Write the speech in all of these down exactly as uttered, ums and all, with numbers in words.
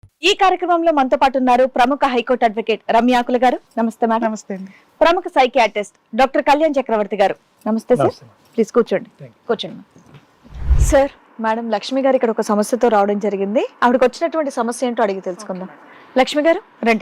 ఈ కార్యక్రమంలో మనతో పాటు ఉన్నారు ప్రముఖ హైకోర్టు అడ్వకేట్ రమ్యాకుల గారు. నమస్తే మేడం. నమస్తే అండి. ప్రముఖ సైకియాట్రిస్ట్ డాక్టర్ కళ్యాణ్ చక్రవర్తి గారు. నమస్తే సార్. ప్లీజ్ కూర్చోండి. కూర్చోండి సార్. మేడం లక్ష్మి గారు ఇక్కడ ఒక సమస్యతో రావడం జరిగింది. ఆవిడకి వచ్చినటువంటి సమస్య ఏంటో అడిగి తెలుసుకుందాం. లక్ష్మి గారు రండి.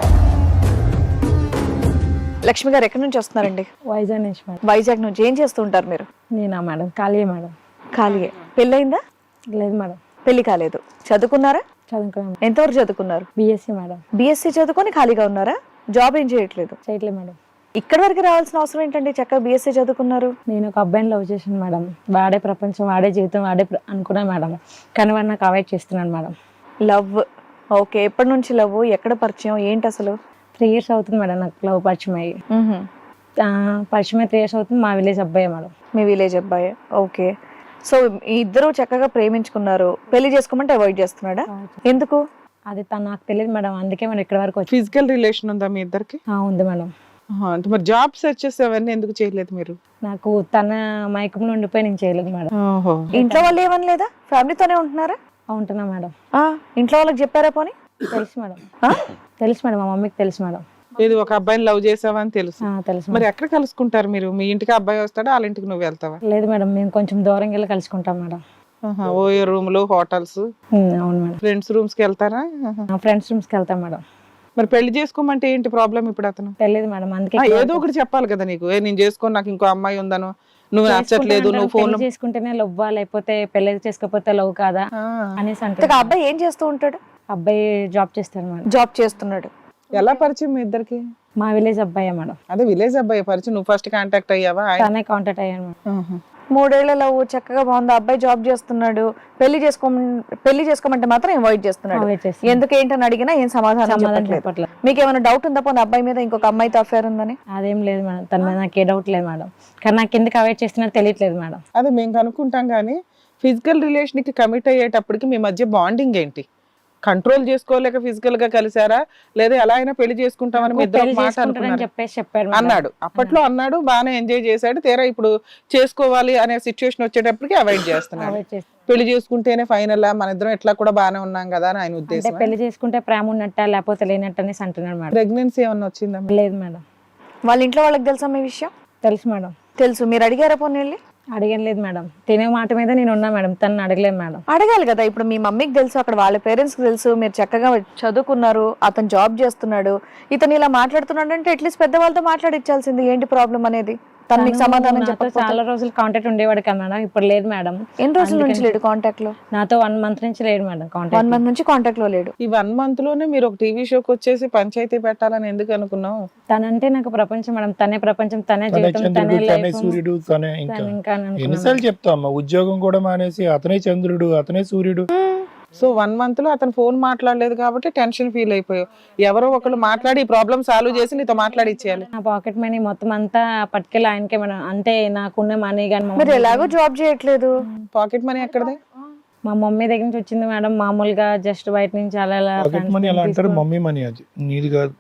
లక్ష్మి గారు ఎక్కడి నుంచి వస్తున్నారండి? వైజాగ్ నుంచి మేడం. వైజాగ్ నుంచి. ఏం చేస్తూ ఉంటారు మీరు? నేనా మేడం? ఖాళీ మేడం. ఖాళీయే. పెళ్ళయిందా? లేదు మేడం. పెళ్లి కాలేదు. చదువుకున్నారా? చదువుకున్నాను. ఎంతవరకు చదువుకున్నారు? BSc madam. బిఎస్సీ చదువుకొని ఖాళీగా ఉన్నారా? జాబ్ ఏం చేయట్లేదు? చేయట్లేదు మేడం. ఇక్కడ వరకు రావాల్సిన అవసరం ఏంటండి? చక్కగా బిఎస్సీ చదువుకున్నారు. నేను ఒక అబ్బాయిని లవ్ చేశాను మేడం. వాడే ప్రపంచం, వాడే జీవితం, వాడే ప్ర- అనుకున్నా మేడం. కానీ వాడు నాకు అవాయిడ్ చేస్తున్నాడు మేడం. లవ్. ఓకే. ఎప్పటి నుంచి లవ్? ఎక్కడ పరిచయం? ఏంటి అసలు? త్రీ ఇయర్స్ అవుతుంది మేడం నాకు లవ్ పరిచయం అయ్యి. మ్హూ. ఆ, పరిచయం త్రీ ఇయర్స్ అవుతుంది. మా విలేజ్ అబ్బాయి మేడం. మీ విలేజ్ అబ్బాయి. ఓకే. సో ఈ ఇద్దరు చక్కగా ప్రేమించుకున్నారు. పెళ్లి చేసుకోమంటే అవాయిడ్ చేస్తున్నాడా? ఎందుకు? అది తను నాకు తెలియదు మేడం. అందుకే మనం ఇక్కడ వరకు వచ్చి ఫిజికల్ రిలేషన్ ఉందా మీ ఇద్దరికి? ఉంది మేడం. ఆహా, అంటే మరి జాబ్ సెర్చెస్ అవన్నీ ఎందుకు చేయలేదు మీరు? నాకు తన మైకంలో ఉండిపోయి నేను చేయలేదు మేడం. ఓహో. ఇంట్లో వాళ్ళు ఏమని లేదా? ఫ్యామిలీతోనే ఉంటున్నారా? ఉంటున్నా మేడం. ఆ, ఇంట్లో వాళ్ళకి చెప్పారా పోనీ? తెలుసు మేడం. ఆ? తెలుసు మేడం. మా మమ్మీకి తెలుసు మేడం. ఇది ఒక అబ్బాయిని లవ్ చేసావని తెలుసు. ఆ, తెలుసు మరి మేడం. ఎక్కడ కలుసుకుంటారు మీరు? మీ ఇంటికి అబ్బాయి వస్తాడా, వాళ్ళ ఇంటికి నువ్వు వెళ్తావా? లేదు మేడం, మేము కొంచెం దూరంగా వెళ్ళి కలుసుకుంటాం మేడం. ఆహా, ఓయో రూమ్లు, హోటల్స్, ఉమ్, అవును మేడం. ఫ్రెండ్స్ రూమ్స్ కి వెళ్తారా? ఆహా. నా ఫ్రెండ్స్ రూమ్స్కి వెళ్తాం మేడం. మరి పెళ్లి చేసుకోమంటే ఏంటి ప్రాబ్లం ఇప్పుడు అతను? తెలియదు మేడం. అందుకే ఆ, ఏదో ఒకటి చెప్పాలి కదా నీకు. ఏ నేను చేసుకోను, నాకు ఇంకో అమ్మాయి ఉందను, నువ్వు నచ్చట్లేదు, నువ్వు ఫోన్ పెళ్లి చేసుకుంటేనే లవ్వా, లేకపోతే పెళ్లి చేసుకోకపోతే లవ్ కాదా అనేసి ఇంతకు అంటే ఆ అబ్బాయి ఏం చేస్తూ ఉంటాడు? అబ్బాయి జాబ్ చేస్తాడు మేడం. జాబ్ చేస్తున్నాడు. ఎలా పరిచయం మీ ఇద్దరికి? మా విలేజ్ అబ్బాయి మేడం. అదే విలేజ్ అబ్బాయి పరిచయం. నువ్వు ఫస్ట్ కాంటాక్ట్ అయ్యావా? ఆయన- తనే కాంటాక్ట్ అయ్యాను మేడం. ఆహా. మూడేళ్ల లవ్ చక్కగా బాగుంది. అబ్బాయి జాబ్ చేస్తున్నాడు. పెళ్లి చేసుకో పెళ్లి చేసుకోమంటే మాత్రం అవాయిడ్ చేస్తున్నాడు. Avoid చేస్తాను. ఎందుకు ఏంటని అడిగినా ఏం సమాధానం సమాధానం చెప్పట్లేదు. చెప్పట్లేదు. మీకు ఏమైనా డౌట్ ఉందా పోనీ అబ్బాయి మీద ఇంకొక అమ్మాయితో అఫేర్ ఉందని? అదేం లేదు మేడం. తన మీద నాకు ఏ డౌట్ లేదు మేడం. కానీ నాకు ఎందుకు అవాయిడ్ చేస్తున్నా తెలియట్లేదు మేడం. అదే మేము కనుక్కుంటాం కానీ ఫిజికల్ రిలేషన్ కి కమిట్ అయ్యేటప్పటికి మీ మధ్య బాండింగ్ ఏంటి? కంట్రోల్ చేసుకోలేక ఫిజికల్ గా కలిసారా, లేదా ఎలా అయినా పెళ్లి చేసుకుంటామని మీ ఇద్దరు పెళ్లి మాట చేసుకుంటానని అనుకున్నారా? చెప్పేసి చెప్పాడు మేడం. అన్నాడు. అప్పట్లో అన్నాడు, బాగానే ఎంజాయ్ చేశాడు. తీరా ఇప్పుడు చేసుకోవాలి అనే సిచ్యువేషన్ వచ్చేటప్పటికి అవాయిడ్ చేస్తున్నాడు. అవాయిడ్ చేస్తాను. పెళ్లి చేసుకుంటేనే ఫైనల్, మన ఇద్దరం ఎట్లా కూడా బాగానే ఉన్నాం కదా అని ఆయన అంటే ఉద్దేశం. పెళ్లి చేసుకుంటే ప్రేమ ఉన్నట్ట లేకపోతే లేనట్టు అనేసి అంటున్నాడు మేడం. ప్రెగ్నెన్సీ ఏమన్నా వచ్చిందా? లేదు మేడం. వాళ్ళ ఇంట్లో వాళ్ళకి తెలుసా మీ విషయం? తెలుసు మేడం. తెలుసు. మీరు అడిగారా పోనీ వెళ్ళి? అడిగేం లేదు మేడం. తినే మాట మీద నేను ఉన్నా మేడం. తను అడగలేదు మేడం. అడగాలి కదా. ఇప్పుడు మీ మమ్మీకి తెలుసు, అక్కడ వాళ్ళ పేరెంట్స్ కి తెలుసు, మీరు చక్కగా చదువుకున్నారు, అతను జాబ్ చేస్తున్నాడు, ఇతను ఇలా మాట్లాడుతున్నాడు అంటే అట్లీస్ట్ పెద్దవాళ్ళతో మాట్లాడిచ్చాల్సింది ఏంటి ప్రాబ్లం అనేది. తను మీకు సమాధానం నాతో చెప్పకపోతే చాలా రోజులు కాంటాక్ట్ ఉండేవాడు కదా మేడం. ఇప్పుడు లేదు మేడం. ఎన్ని రోజుల నుంచి లేడు కాంటాక్ట్ లో? నాతో వన్ మంత్ నుంచి లేడు మేడం వన్ కాంటాక్ట్. మంత్ నుంచి కాంటాక్ట్ లో లేడు. ఈ వన్ మంత్ లోనే మీరు ఒక టీవీ షోకి వచ్చేసి పంచాయతీ పెట్టాలని ఎందుకు అనుకున్నావు? తనంటే నాకు ప్రపంచం మేడం. తనే ప్రపంచం, తనే తనే జీవితం, తనే చంద్రుడు, తనే లైఫ్. సూర్యుడు, తనే ఇంకా తను ఇంకా అని అనుకున్నాను. ఎన్నిసార్లు చెప్తాం అమ్మా, ఉద్యోగం కూడా మానేసి అతనే చంద్రుడు, అతనే సూర్యుడు. సో వన్ మంత్ లో అతను ఫోన్ మాట్లాడలేదు కాబట్టి టెన్షన్ ఫీల్ అయిపోయావు. ఎవరో ఒకళ్ళు మాట్లాడి ఈ ప్రాబ్లం సాల్వ్ చేసి నీతో మాట్లాడి ఇచ్చేయాలి. నా పాకెట్ మనీ మొత్తం అంతా పట్టుకెళ్ళి ఆయనకే మేడం. అంటే నాకున్న మనీ కానీ మీరు ఎలాగో జాబ్ చేయట్లేదు. పాకెట్ మనీ ఎక్కడదే? మా మమ్మీ దగ్గర నుంచి వచ్చింది మేడం. మామూలుగా జస్ట్ బయట నుంచి అలా అలా పాకెట్ friends మనీ అలా ని అంటారు, తీసుకొని మమ్మీ మనీ అది నీది కాదు.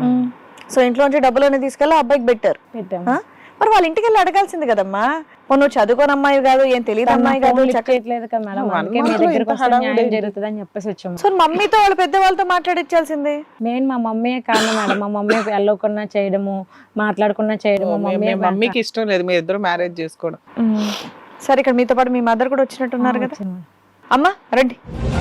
సో ఇంట్లో నుంచి డబ్బులు అనేది తీసుకెళ్ళి ఆ అబ్బాయికి బెటర్. పెట్టాము. మరి వాళ్ళ ఇంటికి వెళ్ళి అడగాల్సింది కదమ్మా. పోనీ నువ్వు చదువుకోని అమ్మాయి కాదు, ఏం తెలియదు తను అమ్మాయి నా కాదు, phone lift చక్కగా చేయట్లేదు కదా మేడం. One అందుకే మీ month లో దగ్గరకు ఇంత వస్తే హడావుడి న్యాయం ఏంటి? జరుగుతుంది అని చెప్పేసి వచ్చాము. సో మమ్మీతో వాళ్ళ పెద్ద వాళ్ళతో మాట్లాడిచ్చాల్సింది. మెయిన్ మా మమ్మీ కారణం మేడం. మా మమ్మీ వెళ్ళకుండా చేయడము, మాట్లాడకుండా చేయడము. మా మీ మమ్మీ మమ్మీకి ఇష్టం లేదు మీ ఇద్దరు మ్యారేజ్ చేసుకోవడం. సరే, ఇక్కడ మీతో పాటు మీ మదర్ కూడా వచ్చినట్టున్నారు కదా. అమ్మా రండి.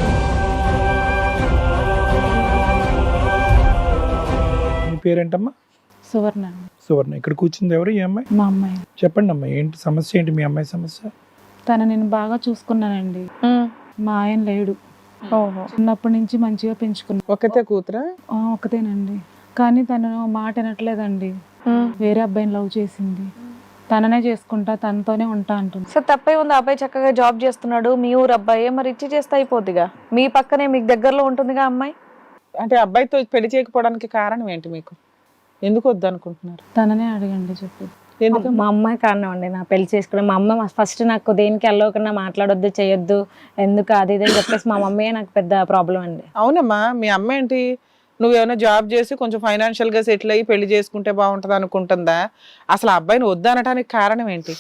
మీ పేరేంటమ్మా? సువర్ణ. సువర్ణ. ఇక్కడ కూర్చుంది ఎవరు? ఈ అమ్మాయి. మా అమ్మాయి. చెప్పండి అమ్మా, ఏంటి సమస్య? ఏంటి మీ అమ్మాయి సమస్య? తను నేను బాగా చూసుకున్నానండి. మా ఆయన లేడు. ఓహో. చిన్నప్పటి నుంచి మంచిగా పెంచుకున్నా. ఒకతే కూతురా? ఆ, ఒకతేనండి. కానీ తను మాట వినట్లేదండి. వేరే అబ్బాయిని లవ్ చేసింది. తననే చేసుకుంటా, తనతోనే ఉంటా అంటుంది. సో తప్పే ఉంది. ఆ అబ్బాయి చక్కగా జాబ్ చేస్తున్నాడు, మీ ఊరు అబ్బాయి, మరి ఇచ్చి చేస్తే అయిపోద్దిగా. మీ పక్కనే మీకు దగ్గరలో ఉంటుందిగా అమ్మాయి. అంటే అబ్బాయితో పెళ్లి చేయకపోవడానికి కారణం ఏంటి? మీకు ఎందుకు వద్దు అనుకుంటున్నారు? తననే అడగండి చెప్పు. ఎందుకు? మా అమ్మాయి కారణం అండి నా పెళ్లి చేసుకోవడం. మా అమ్మ ఫస్ట్ నాకు దేనికి వెళ్ళకుండా మాట్లాడొద్దు, చేయొద్దు, ఎందుకు అది ఇది అని చెప్పేసి మా మమ్మీయే నాకు పెద్ద ప్రాబ్లం అండి. అవునమ్మా, మీ అమ్మ ఏంటి నువ్వేమైనా జాబ్ చేసి కొంచెం ఫైనాన్షియల్ గా సెటిల్ అయ్యి పెళ్లి చేసుకుంటే బాగుంటది అనుకుంటుందా? అసలు ఆ అబ్బాయిని వద్దనటానికి కారణం ఏంటి?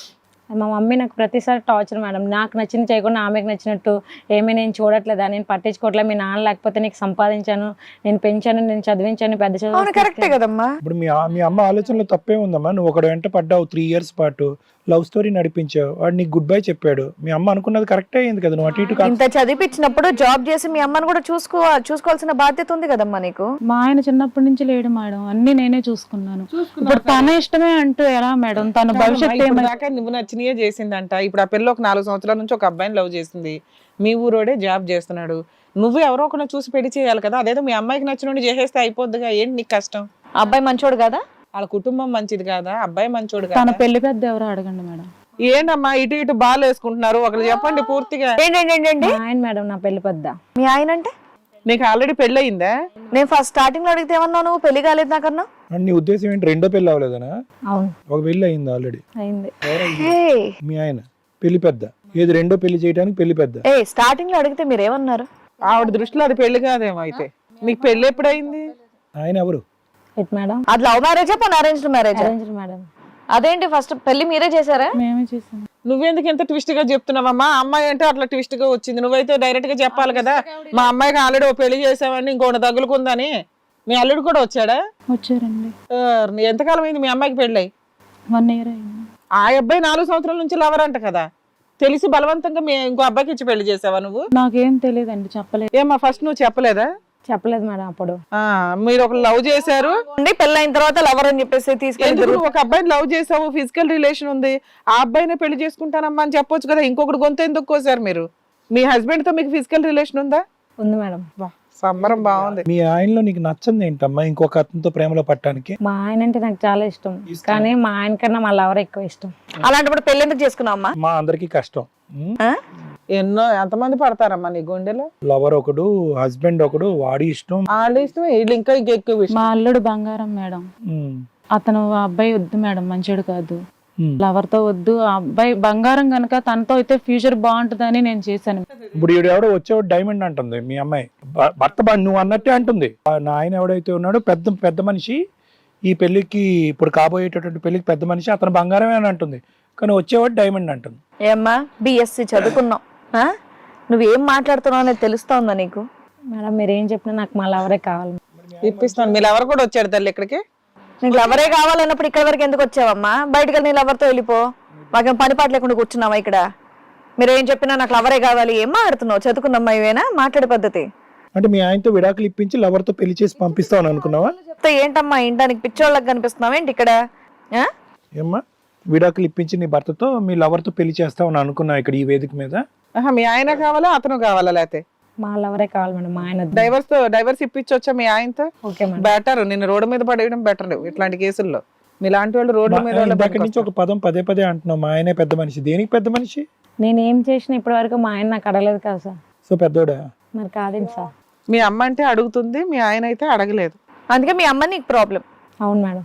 మా మమ్మీ నాకు ప్రతిసారి టార్చర్ మేడం. నాకు నచ్చింది చేయకుండా ఆమెకు నచ్చినట్టు ఏమీ నేను చూడట్లేదా, నేను పట్టించుకోవట్లేదు, మీ నాన్న లేకపోతే నీకు సంపాదించాను, నేను పెంచాను, నేను చదివించాను, పెద్ద అవును కరెక్టే చదువు. కదమ్మా. ఇప్పుడు మీ ఆ- మీ అమ్మ ఆలోచనలో తప్పే ఉందమ్మా. నువ్వు ఒకడు వెంట పడ్డావు త్రీ ఇయర్స్ పాటు, లవ్ స్టోరీ నడిపించావు, వాడు నీకు గుడ్ బై చెప్పాడు. మీ అమ్మ అనుకున్నది కరెక్టే అయింది కదా, నువ్వు అటు ఇటు కాదు. ఇంత చదివించినప్పుడు జాబ్ చేసి మీ అమ్మని కూడా చూసుకో చూసుకోవాల్సిన బాధ్యత ఉంది కదమ్మా నీకు. మా ఆయన చిన్నప్పటి నుంచి లేడు మేడం, అన్ని నేనే చూసుకున్నాను. ఇప్పుడు తన ఇష్టమే అంటూ ఎలా మేడం, తన భవిష్యత్తు ఇప్పుడు ఏమై దాకా నువ్వు నచ్చినయే చేసిందంట. ఇప్పుడు ఆ పిల్ల ఒక నాలుగు సంవత్సరాల నుంచి ఒక అబ్బాయిని లవ్ చేసింది, మీ ఊరోడే జాబ్ చేస్తున్నాడు. నువ్వు ఎవరో ఒకరిని చూసి పెళ్లి చేయాలి కదా, అదేదో మీ అమ్మాయికి నచ్చినోడి చేసేస్తే అయిపోద్దిగా. ఏంటి నీకు కష్టం? ఆ అబ్బాయి మంచోడు కదా. వాళ్ళ కుటుంబం మంచిది కాదా, అబ్బాయి మంచోడు తన కదా. పెళ్లి పెద్ద ఎవరో అడగండి మేడం. ఏంటమ్మా ఇటు ఇటు బాల్ వేసుకుంటున్నారు, ఒకరు చెప్పండి పూర్తిగా. ఏంటండి మా ఆయన మేడం నా పెళ్లి పెద్ద. మీ ఆయన అంటే? నీకు ఆల్రెడీ పెళ్లి అయిందా? నేను ఫస్ట్ స్టార్టింగ్ లో అడిగితే ఏమన్నావు నువ్వు? పెళ్లి కాలేదు నాకన్నా. అంటే నీ ఉద్దేశం ఏంటి, రెండో పెళ్లి అవ్వలేదనా? అవును ఒక పెళ్లి అయింది ఆల్రెడీ. అయింది. హే మీ ఆయన పెళ్లి పెద్ద, ఏది రెండో పెళ్లి చేయడానికి పెళ్లి పెద్ద. ఏ స్టార్టింగ్ లో అడిగితే మీరు ఏమన్నారు? ఆవిడ దృష్టిలో అది పెళ్లి కాదేమో. అయితే నీకు పెళ్లి ఎప్పుడైంది? ఆయన ఎవరు? At madam? అది లవ్ మ్యారేజా పోనీ అరేంజ్డ్ మ్యారేజా? Arranged madam. అదేంటి ఫస్ట్ పెళ్లి మీరే చేశారా? మేమే చేసాం. నువ్వెందుకు ఎంత ట్విస్ట్ గా చెప్తున్నావమ్మా? అమ్మాయి అంటే అట్లా ట్విస్ట్ గా వచ్చింది, నువ్వైతే డైరెక్ట్ గా చెప్పాలి కదా. మా అమ్మాయికి ఆల్రెడీ ఓ పెళ్లి చేసావని ఇంకోటి తగులుకుందని. మీ అల్లుడు కూడా వచ్చాడా? వచ్చారండి, ఆ, ఎంతకాలం అయింది మీ అమ్మాయికి పెళ్ళి? వన్ ఇయర్ అయింది. ఆ అబ్బాయి నాలుగు సంవత్సరాల నుంచి లవర్ అంట కదా, తెలిసి బలవంతంగా మీ ఇంకో అబ్బాయికి ఇచ్చి పెళ్లి చేసావా నువ్వు? నాకేం తెలియదండి, చెప్పలేదు. ఏమా ఫస్ట్ నువ్వు చెప్పలేదా? చెప్పలేదు మేడం అప్పుడు. ఆ మీరు ఒక లవ్ చేశారు, ఉండి పెళ్లి అయిన తర్వాత లవర్ అని చెప్పేసి తీసుకెళ్ళి ఎందుకు నువ్వు ఒక అబ్బాయిని లవ్ చేసావు, ఫిజికల్ రిలేషన్ ఉంది, ఆ అబ్బాయినే పెళ్లి చేసుకుంటానమ్మా అని చెప్పొచ్చు కదా. ఇంకొకటి గొంతు ఎందుకు కోసారు మీరు? మీ హస్బెండ్ తో మీకు ఫిజికల్ రిలేషన్ ఉందా? ఉంది మేడం. వా, సంబరం బాగుంది. మీ ఆయనలో నీకు నచ్చంది ఏంటమ్మా ఇంకొక అతనితో ప్రేమలో పట్టడానికి? మా ఆయన అంటే నాకు చాలా ఇష్టం, కానీ మా ఆయన కన్నా మా లవర్ ఎక్కువ ఇష్టం. అలాంటప్పుడు పెళ్లి ఎందుకు చేసుకున్నావు అమ్మా? మా అందరికి కష్టం. ఆ? ఎన్నో ఎంతమంది పడతారమ్మా నీ గుండెలో? లవర్ ఒకడు, హస్బెండ్ ఒకడు, వాడి ఇష్టం. వాళ్ళ ఇష్టం, వీళ్ళు ఇంకా ఇంక ఎక్కువ ఇష్టం. మా అల్లుడు బంగారం మేడం, ఉమ్, అతను ఆ అబ్బాయి వద్దు మేడం, మంచిడు కాదు, ఉమ్. లవర్ తో వద్దు. ఆ అబ్బాయి బంగారం గనక తనతో అయితే ఫ్యూచర్ బాగుంటుందని నేను చేశాను. ఇప్పుడు ఈవిడ ఎవడో వచ్చేవాడు డైమండ్ అంటుంది మీ అమ్మాయి. భ- భర్త బా- నువ్వు అన్నట్టే అంటుంది. ఆ నా ఆయన ఎవడైతే ఉన్నాడో పెద్ద పెద్ద మనిషి, ఈ పెళ్లికి ఇప్పుడు కాబోయేటటువంటి పెళ్లికి పెద్ద మనిషి, అతను బంగారమే అని అంటుంది. కానీ వచ్చేవాడు డైమండ్ అంటుంది. ఏమ్మా బిఎస్సి చదువుకున్నావు, ఆ? నువ్వేం మాట్లాడుతున్నావు అనేది తెలుస్తోందా నీకు? మేడం మీరు ఏం చెప్పినా నాకు మా లవరే కావాలి. ఇప్పిస్తాను. మీరు ఎవరు కూడా వచ్చాడు తల్లి ఇక్కడికి? నీకు లవరే కావాలన్నప్పుడు ఇక్కడ వరకు ఎందుకు వచ్చావమ్మా? బయటకు వెళ్ళి నీ లవర్తో వెళ్ళిపో. మాకేం పని పాట లేకుండా కూర్చున్నావా ఇక్కడ? మీరు ఏం చెప్పినా నాకు లవరే కావాలి. ఏం మాట్లాడుతున్నావు? చదువుకున్నమ్మా ఇవేనా మాట్లాడే పద్ధతి? అంటే మీ ఆయనతో విడాకులు ఇప్పించి లవర్ తో పెళ్లి చేసి పంపిస్తావు అనుకున్నావా? చెప్తే ఏంటమ్మా ఇంటానికి పిచ్చోళ్ళకి కనిపిస్తున్నావు ఏంటి ఇక్కడ? ఆ? ఏమ్మా విడాకులు ఇప్పించి నీ భర్తతో మీ లవర్ తో పెళ్లి చేస్తావు అని అనుకున్నావు ఇక్కడ ఈ వేదిక మీద? ఆహా, మీ ఆయన కావాలా అతను కావాలా? లేకపోతే మా లవరే కావాలి మేడం, మా ఆయన వద్దు. డైవర్స్ తో డైవర్స్ ఇప్పించొచ్చా మీ ఆయనతో? Okay madam. బెటర్. నిన్ను రోడ్డు మీద పడేయడం బెటర్ ఇట్లాంటి కేసుల్లో. మీలాంటి వాళ్ళు రోడ్ల మీద వాళ్ళ ఇందాక పనికి నుంచి ఒక పదం పదే పదే అంటున్నావు, మా ఆయనే పెద్ద మనిషి. దేనికి పెద్ద మనిషి? నేను ఏం చేసిన ఇప్పటి వరకు మా ఆయన నాకు అడగలేదు కదా సార్. సో పెద్దోడా? మరి కాదేంటి సార్? మీ అమ్మ అంటే అడుగుతుంది, మీ ఆయన అయితే అడగలేదు. అందుకే మీ అమ్మ నీకు ప్రాబ్లం. అవును మేడం.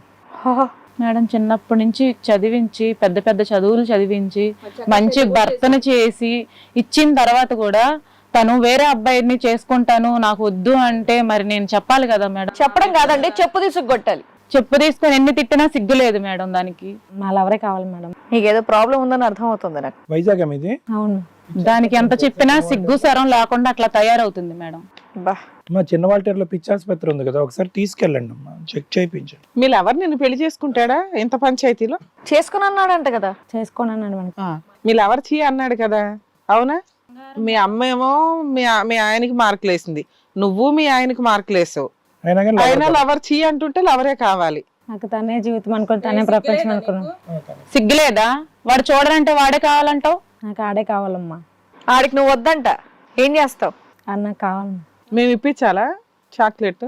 మేడం చిన్నప్పటి నుంచి చదివించి పెద్ద పెద్ద చదువులు చదివించి మంచి భర్తను చేసి ఇచ్చిన తర్వాత కూడా తను వేరే అబ్బాయిని చేసుకుంటాను నాకు వద్దు అంటే మరి నేను చెప్పాలి కదా మేడం. చెప్పడం కాదండి, చెప్పు తీసుకొట్టాలి. చెప్పు తీసుకొని ఎన్ని తిట్టినా సిగ్గు లేదు మేడం దానికి. మా లవరే కావాలి మేడం. నీకేదో ప్రాబ్లం ఉందని అర్థం అవుతుంది నాకు. వైజాగ్ ఇది? అవును. దానికి ఎంత చెప్పినా సిగ్గు సరం లేకుండా అట్లా తయారవుతుంది మేడం. బా మా చిన్న వాల్టేరులో పిచ్చి ఆసుపత్రి ఉంది కదా, ఒకసారి తీసుకెళ్ళండి అమ్మా, చెక్ చేయించండి. మీరు ఎవరు నిన్ను పెళ్లి చేసుకుంటాడా ఇంత పంచాయతీలో? చేసుకుని అన్నాడంట కదా. చేసుకోనన్నాడు మేడం. మీరు ఎవరు చీ అన్నాడు కదా, అవునా? మీ అమ్మ ఏమో మీ ఆ- మీ ఆయనకి మార్కులు వేసింది, నువ్వు మీ ఆయనకి మార్కులు వేసావు. అయినా కానీ అయినా లవర్ చీ అంటుంటే లవరే కావాలి. నాకు తనే జీవితం అనుకుని తనే ప్రపంచం అనుకున్నాను. సిగ్గులేదా? వాడు చూడరంటే వాడే కావాలంటావు. నాకు ఆడే కావాలమ్మా. ఆడికి నువ్వు వద్దంట, ఏం చేస్తావు? అది నాకు కావాలమ్మా. మేము ఇప్పించాలా చాక్లెట్?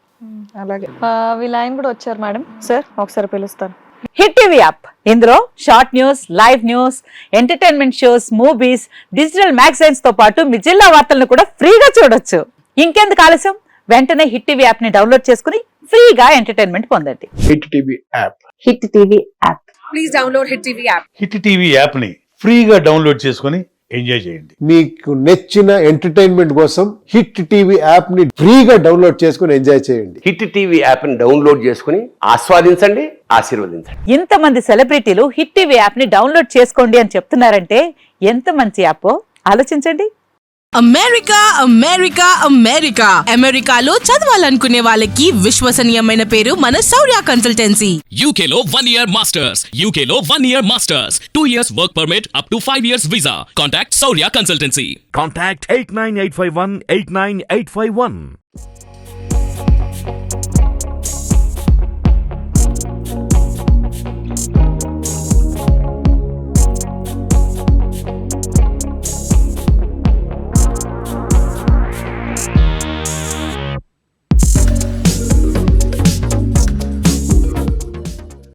అలాగే. ఆ, వీళ్ళ ఆయన కూడా వచ్చారు మేడం. సార్ ఒకసారి పిలుస్తాను. హిట్ టీవీ యాప్, ఇందులో short news, live news, entertainment shows, movies, digital magazines తో పాటు మీ జిల్లా వార్తలను కూడా ఫ్రీగా చూడొచ్చు. ఇంకెందుకు ఆలస్యం, వెంటనే హిట్ టీవీ యాప్ ని డౌన్లోడ్ చేసుకుని ఫ్రీగా ఎంటర్టైన్మెంట్ పొందండి. Hit TV app. Hit TV app. Hit TV యాప్ని ఫ్రీగా డౌన్లోడ్ చేసుకొని ఎంజాయ్ చేయండి. మీకు నచ్చిన ఎంటర్టైన్మెంట్ కోసం హిట్ టీవీ యాప్ ని ఫ్రీగా డౌన్లోడ్ చేసుకుని ఎంజాయ్ చేయండి. హిట్ టీవీ యాప్ ని డౌన్లోడ్ చేసుకుని ఆస్వాదించండి, ఆశీర్వదించండి. ఇంతమంది సెలబ్రిటీలు హిట్ టీవీ యాప్ ని డౌన్లోడ్ చేసుకోండి అని చెప్తున్నారంటే ఎంత మంచి యాప్ ఆలోచించండి. అమెరికా అమెరికా అమెరికా అమెరికాలో చదవాలనుకునే వాళ్ళకి విశ్వసనీయమైన పేరు మన శౌర్య కన్సల్టెన్సీ. యూకేలో వన్ ఇయర్ మాస్టర్స్ యూకేలో one year masters two years work permit up to five years visa. Contact Shaurya consultancy. Contact eight nine eight five one eight nine eight five one.